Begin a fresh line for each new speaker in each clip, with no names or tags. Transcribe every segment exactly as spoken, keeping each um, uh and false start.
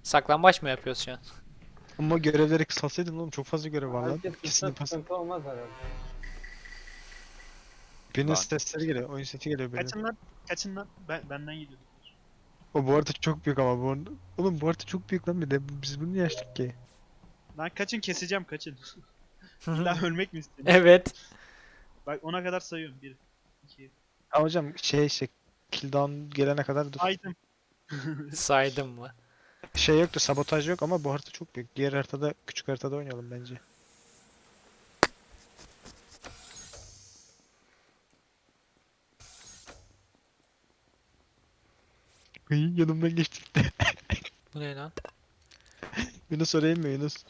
Saklambaç mı yapıyoruz şu an?
Ama görevleri kısaltsaydın oğlum, çok fazla görev var lan.
Herkes
İkisini
kısa
pas.
sıkıntı olmaz herhalde.
Birinin
Lan.
sesleri geliyor, oyun sesi geliyor benim.
Kaçın lan. Kaçın lan. Ben, benden gidiyor.
O bu arada çok büyük ama bu arada. Oğlum bu arada çok büyük lan, bir de biz bunu niye açtık ki?
Lan kaçın, keseceğim, kaçın. İlla ölmek mi istiyorsun?
Evet.
Bak ona kadar sayıyorum. Bir, iki,
Ha hocam şey işte kill down gelene kadar dur.
saydım.
Saydım mı?
Şey yoktu, sabotaj yok ama bu harita çok büyük. Diğer haritada, küçük haritada oynayalım bence. Hıy, yanımdan geçti.
Bu ne lan?
Yunus orayım mı Yunus?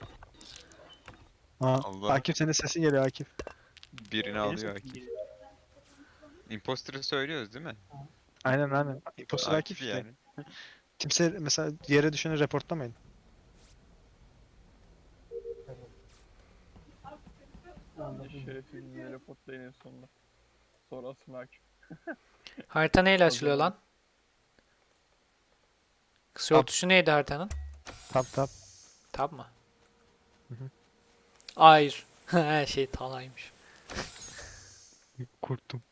Aa,
Allah.
Akif senin sesin geliyor Akif.
Birini
Benim
alıyor
sesim
Akif.
geliyor.
Imposter'ı söylüyoruz değil mi?
Aynen aynen. Imposter Akif işte.
yani.
Kimse mesela yere düşeni reportlamayın.
Şerefsiz bizi reportlayın en sonunda. Sonra asma hakim.
Harita neyle
O
açılıyor
zaman-
lan? Kısa yol
Tab.
tuşu neydi haritanın?
Tap tap.
Tab mı?
Hı hı.
Hayır. Her şey talaymış.
Korktum.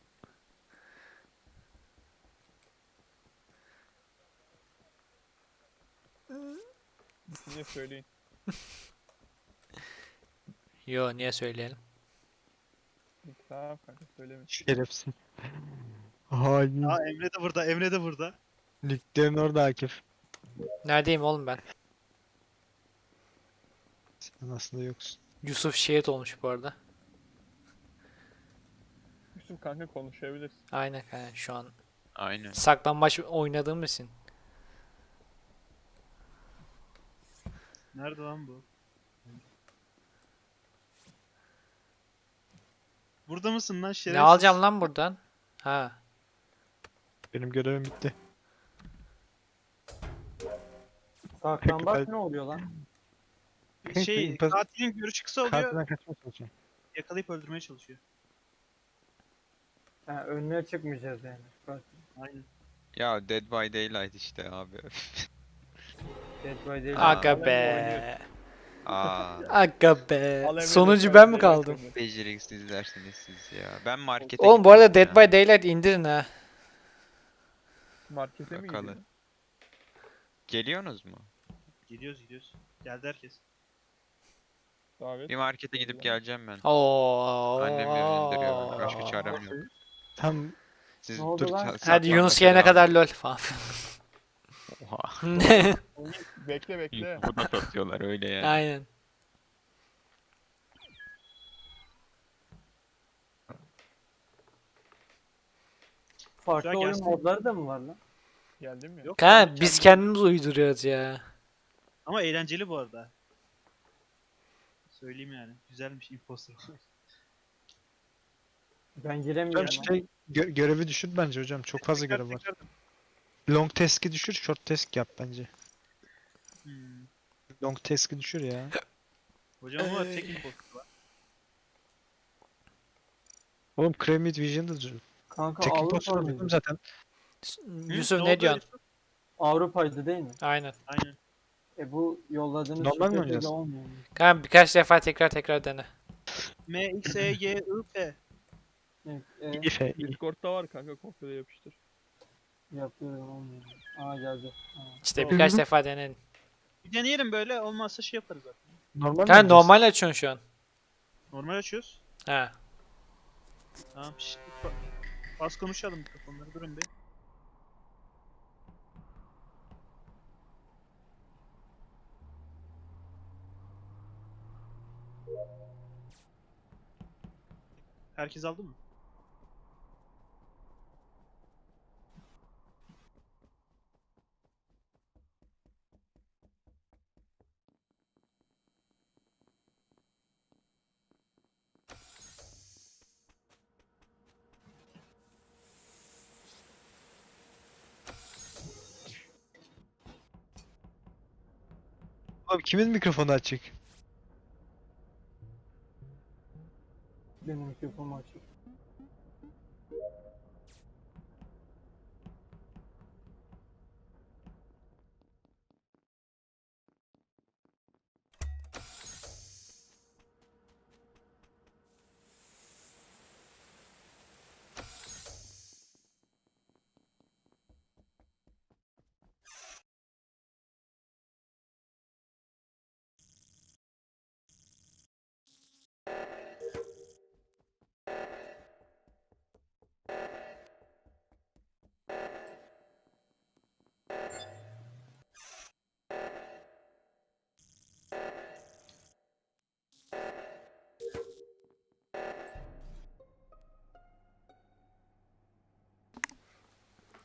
Size söyleyin.
Yo, niye söyleyelim?
Tamam kanka söylemeyin.
Şerefsiz. Hain.
Aa, Emre de burada. Emre de burada.
Liglerin orada Akif.
Neredeyim oğlum ben?
Sen aslında yoksun.
Yusuf şehit olmuş bu arada.
Yusuf kanka konuşabilirsin.
Aynen kanka, şu an
Aynen.
saklambaç oynadığım için.
Nerede lan bu? Burada mısın lan şerefsiz?
Ne alacağım lan buradan? Ha.
Benim görevim bitti.
Saklambaç ne oluyor lan?
Şey,
Imposter-
katilin görüşü kısa oluyor.
Katilden kaçmaya çalışıyorum.
Yakalayıp öldürmeye çalışıyor.
Ha, önüne çıkmayacağız yani. Bak,
Aynen.
Ya Dead by Daylight işte abi.
Dead by Daylight.
Aga
Alem oynuyor.
be.
Aa,
Aga be.
Alem
Sonuncu
oynuyor,
ben mi
Dead by
kaldım?
Daylight.
beceriksizlersiniz siz ya. Ben markete
Oğlum bu arada
gidiyorum
Dead
ya.
by Daylight indirin ha.
Markete mi
Bakalım.
gidiyorsun?
Geliyorsunuz mu?
Gidiyoruz gidiyoruz. Geldi herkes.
Davet.
Bir markete gidip geleceğim ben.
Oo.
Annem beni indiriyor. Başka çarem yok.
Tam
Siz
Ne oldu
dur,
lan?
ça-
Hadi Yunus
saklanmaca
gelene
devam
kadar
edin.
lol falan.
Oha.
Bekle bekle.
Bu da satıyorlar öyle yani.
Aynen.
Farklı
Güzel
oyun
gelsin.
modları da mı var lan? Geldin mi?
Yok.
Kanka
kendi-
biz kendimiz uyduruyoruz ya.
Ama eğlenceli bu arada. Söyleyeyim yani. Güzelmiş imposter.
Ben
hocam
giremiyorum. lan.
şey gö- görevi düşür bence hocam. Çok fazla
Tekrar,
görev var.
tekrar.
Long task'i düşür, short task yap bence.
Hmm.
Long task'i düşür ya.
Hocam var, tek imposter var.
Oğlum Cremid Vision'da düşür.
Kanka
Tek imposter
Avrupa
dedim
mıydı?
zaten.
S-
Hı?
Yusuf
oldu
ne diyorsun?
Yusuf?
Avrupa'ydı değil mi?
Aynen.
Aynen.
E bu yolladığınız
Normal mi
şifreyle
oynayacağız?
olmuyor mu?
Kanka birkaç defa tekrar tekrar dene.
M, X, E, Y, I, P.
Evet, e,
İfe, iyi.
Discord'da var kanka, kopyala yapıştır.
yapıyorum olmuyor. Aa geldi. Aa.
İşte
Doğru.
birkaç defa deneyin.
Bir deneyelim böyle, olmazsa şey yaparız zaten.
Normal mi
Kanka
oynayacağız?
normal açıyorsun şu an.
Normal açıyoruz.
Ha.
Tamam, şşt, ba- az konuşalım mikrofonları, durun bir. Herkes aldı mı?
Oğlum kimin mikrofonu açık?
Benim mikrofonum açık.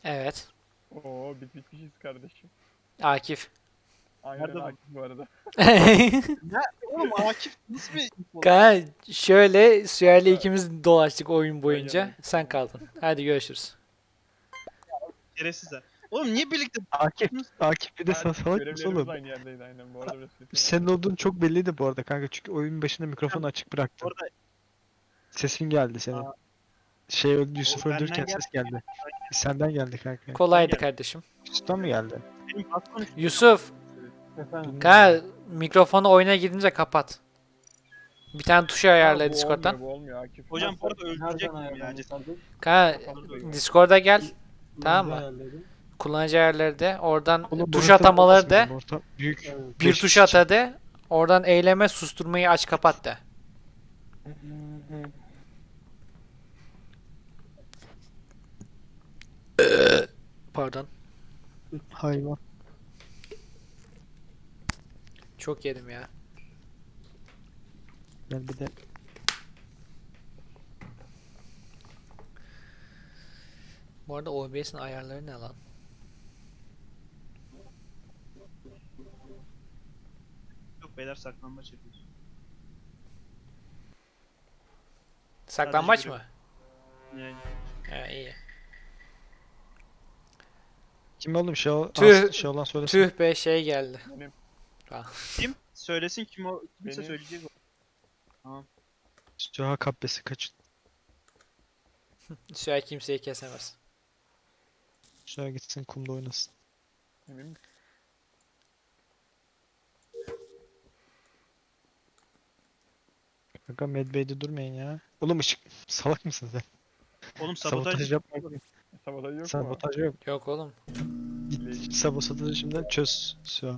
Evet.
Oo bit bitmişiz kardeşim.
Akif.
Aynen
Nerede bu?
Akif bu arada.
Oğlum Akif nasıl bir info lan?
Kanka şöyle Süher'le ikimiz dolaştık oyun
Yan
boyunca.
yanaydık.
Sen kaldın. Hadi görüşürüz.
Şerefsizler. Oğlum niye birlikte
Akif, Akif bir de
Yani
sen salak mısın
görevlerimiz
oğlum?
aynı yerdeydi aynen bu arada. biraz kötü
Senin olduğun çok belliydi bu arada kanka çünkü oyun başında mikrofonu açık bıraktın.
orada
Sesin geldi senin.
Aa.
Şey öldü, Yusuf
O benden
öldürürken
geldi.
ses geldi. Senden geldi kanka.
Kolaydı
gel.
kardeşim.
Yusuf'tan mı geldi?
benim bas konuş.
Yusuf.
Bilmiyorum.
Kanka mikrofonu oyuna gidince kapat. Bir tane tuşu ayarla
Ha, bu
Discord'dan.
olmuyor, bu olmuyor Akif.
Hocam bu arada
Nereden
öldürecektim ya.
ayarlandı kardeş?
Kanka
Kafanı duyuyor.
Discord'a gel. Tamam mı?
Ayarladım.
Kullanıcı ayarları de. Oradan
Oğlum
tuş
monitör
atamaları
olmasın
de.
bizim orta büyük.
Evet.
Bir
beş
tuş
kişi.
at de. Oradan eyleme susturmayı aç kapat de. Pardon.
Hayvan.
Çok yedim ya.
Gel bir de
Bu arada O B S'in ayarları ne lan?
Yok beyler saklanmaç yapıyoruz.
Saklambaç
Sadece
mı?
Yani
He iyi.
kim oğlum şey, ol,
Tüh.
Aslı şey olan söylesin.
Tüh be şey geldi.
kim? Söylesin kim o kimse
Benim.
söyleyecek o.
Süha kabbesi kaçın.
Süher kimseyi kesemez.
Süha gitsin kumda oynasın.
Emin misin?
Kanka Medbay'de durmayın ya. Oğlum ışık salak mısın sen?
Oğlum sabotaj,
Sabotaj yapma.
Sabotaj yok mu?
Sabotaj yok.
Yok oğlum.
Git sabotajı şimdiden çöz Süha.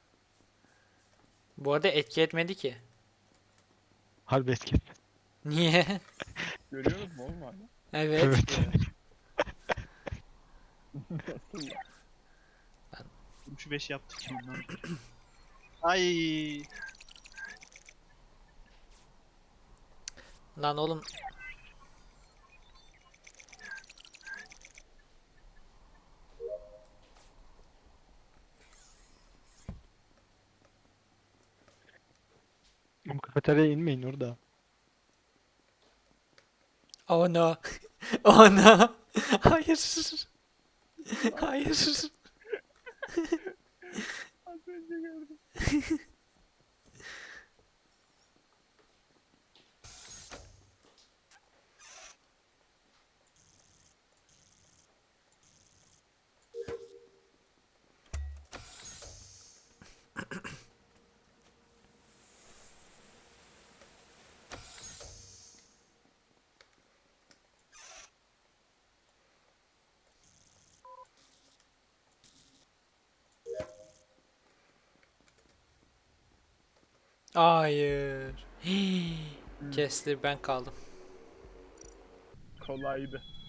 Bu arada etki etmedi ki.
Harbi etki.
Niye?
Görüyoruz mu oğlum hala?
Evet.
Evet.
Nasıl ya?
şu beş yaptık şimdi. lan. Ay
Lan oğlum.
Oğlum kafeteryaya inmeyin orada.
Oh no. Oh no. Hayır. Hayır.
Az önce gördüm.
Hayır. Hii. Kesti ben kaldım.
Kolaydı.